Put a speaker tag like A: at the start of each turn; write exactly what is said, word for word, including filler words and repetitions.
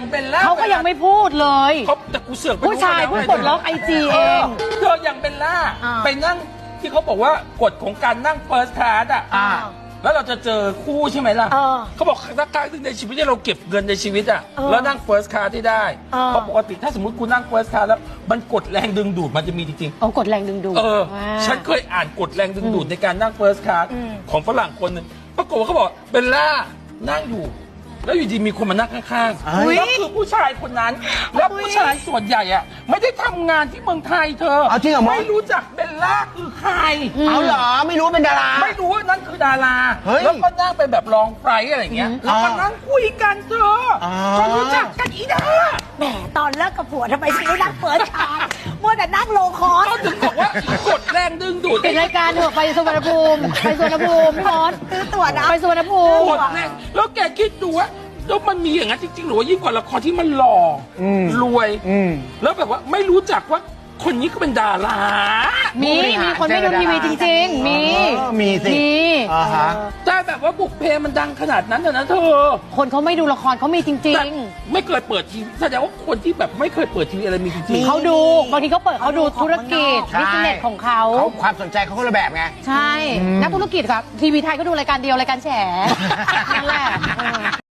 A: เป็นล่า
B: เขาก็ยังไม่พูดเลย
A: เขาแต่กูเสือกไป
B: ผู้ชายเพิ่งกดล็อกไอจีเอง
A: เธออย่างเป็นล่า
B: อ่า
A: ไปนั่งที่เขาบอกว่ากฎของการนั่งเฟิร์สคลาสอ่ะ
B: อ่า
A: แล้วเราจะเจอคู่ใช่ไหมล่ะ
B: เออ
A: เขาบอกสักครั้งหนึ่งในชีวิตที่เราเก็บเงินในชีวิตอ่ะ
B: เออ
A: แล้วนั่งเฟิร์สคลาสที่ได้
B: เออ
A: เพราะปกติถ้าสมมติคุณนั่งเฟิร์สคลาสแล้วมันกดแรงดึงดูดมันจะมีจริงๆ
B: เอากดแรงดึงดูด
A: เออ
B: ว่า
A: ฉันเคยอ่านกฎแรงดึงดูดในการนั่งเฟิร์สคลาส
B: อืม
A: ของฝรั่งคนหนึ่งปรากฏว่าเขาบอกเบลล่านั่งอยู่ แล้วอยู่ดีมีคนมานั่งข้าง
C: อุ๊ย
A: ๆแล้วคือผู้ชายคนนั้น แล้วผู้ชายส่วนใหญ่อะไม่ได้ทำงานที่เมืองไทยเธอ
C: เอาจริงเหรอมด
A: ไม่รู้จักเบลล่าคือใคร
C: เอาเหรอไม่รู้เป็นดารา
A: ไม่รู้ว่านั่นคือดารา
C: เฮ้ย
A: แล้วก็นั่งเป็นแบบรองไฟร์อะไรอย่างเงี้ย
B: อืม
A: แล้วก็นั่งคุยกันเธออ
C: อ
A: จนรู้จักกันอีดา
D: แหมตอนเลิกกับผัวทำไมฉันไม่นั่งเปิดชาร์มัวแต่นั่งโลคอส
A: ก็ถึงบอกว่ากดแรงดึงดูด
B: ปิดรายการเถอะไปสุวรรณภูมิไปสุวรรณภูมิพี่มอส
D: ซื้อตั๋วนะ
B: ไปสุวรรณภูมิ
A: กดแรงแล้วแกคิดดูว่าแล้วมันมีอย่างนั้นจริงๆหรือว่ายิ่งกว่าละครที่มันหล่ออ
C: ม
A: รวย
C: อืม
A: แล้วแบบว่าไม่รู้จักว่าคนนี้ก็เป็นดารา
B: มี มีคนไม่ดูทีวีจริง ๆ มี
C: เออมีสิ
B: มี
C: อ่าฮะ
A: แต่แบบว่าบุกเพมันดังขนาดนั้นน่ะนะเธอ
B: คนเขาไม่ดูละครเขามีจริ
A: แต่
B: ง
A: ไม่เคยเปิดทีวีแสดงว่าคนที่แบบไม่เคยเปิดทีวีอะไรมีจริง
B: ๆ เขาดู บางทีเขาเปิดเขาดูธุรกิจ
C: ใช่
B: บิสเนสของเขา
C: เขาความสนใจเขาคนละแบบไง
B: ใช่ นักธุรกิจครับ ทีวีไทยก็ดูรายการเดียว รายการแฉนั่นแหละเออ